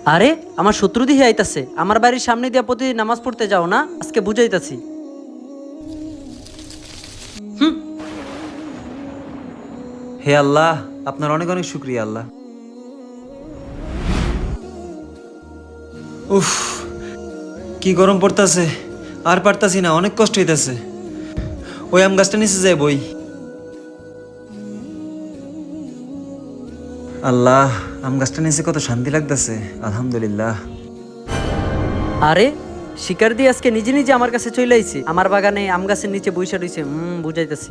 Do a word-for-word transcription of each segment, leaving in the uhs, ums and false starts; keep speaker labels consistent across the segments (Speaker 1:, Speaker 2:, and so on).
Speaker 1: আরে আমার শত্রু দিয়ে আইতাছে, আমার বাড়ির সামনে দিয়া প্রতিদিন নামাজ পড়তে যাও না, আজকে বুঝাইতাছি।
Speaker 2: হে আল্লাহ, আপনার অনেক অনেক শুক্রিয়া আল্লাহ। উফ, কি গরম পড়তাছে, আর পারতাছি না, অনেক কষ্ট হইতাছে। ওই আম গাছটা নিচে যায় বই। আল্লাহ, আম গাছটা নিচে কত শান্তি লাগতাছে, আলহামদুলিল্লাহ।
Speaker 1: আরে শিকার দিয়ে আজকে নিজে নিজে আমার কাছে চলে আইছে, আমার বাগানে আম গাছের নিচে বইসা রইছে। হুম, বুঝাইতাছি।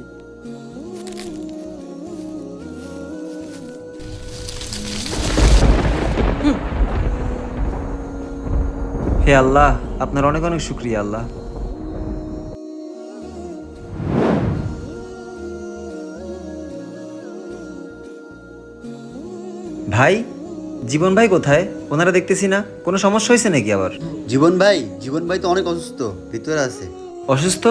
Speaker 2: হে আল্লাহ, আপনার অনেক অনেক শুক্রিয়া আল্লাহ। ভাই, জীবন ভাই কোথায়? ওনারা দেখতেছি না, কোনো সমস্যা হয়েছে নাকি আবার?
Speaker 3: জীবন ভাই জীবন ভাই তো অনেক অসুস্থ, ভিতরে আছে।
Speaker 2: অসুস্থ?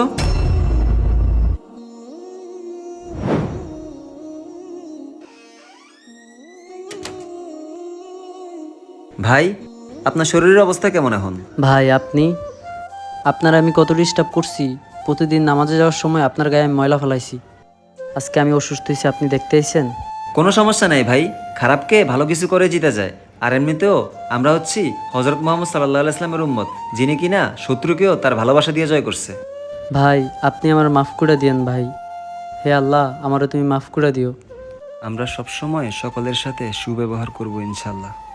Speaker 2: ভাই, আপনার শরীরের অবস্থা কেমন এখন?
Speaker 1: ভাই আপনি, আপনার আমি কত ডিস্টার্ব করছি। প্রতিদিন নামাজে যাওয়ার সময় আপনার গায়ে আমি ময়লা ফেলাইছি। আজকে আমি অসুস্থ হয়েছি, আপনি দেখতে আইছেন।
Speaker 2: কোনো সমস্যা নাই ভাই, খারাপকে ভালো কিছু করে জিতে যায়। আর এমনিতেও আমরা হচ্ছি হজরত মোহাম্মদ সাল্লাহ ইসলামের উম্মত, যিনি কিনা শত্রুকেও তার ভালোবাসা দিয়ে জয় করছে।
Speaker 1: ভাই আপনি আমার মাফ করে দিয়েন ভাই। হে আল্লাহ, আমারও তুমি মাফ করে দিও।
Speaker 2: আমরা সবসময় সকলের সাথে সুব্যবহার করব ইনশাল্লাহ।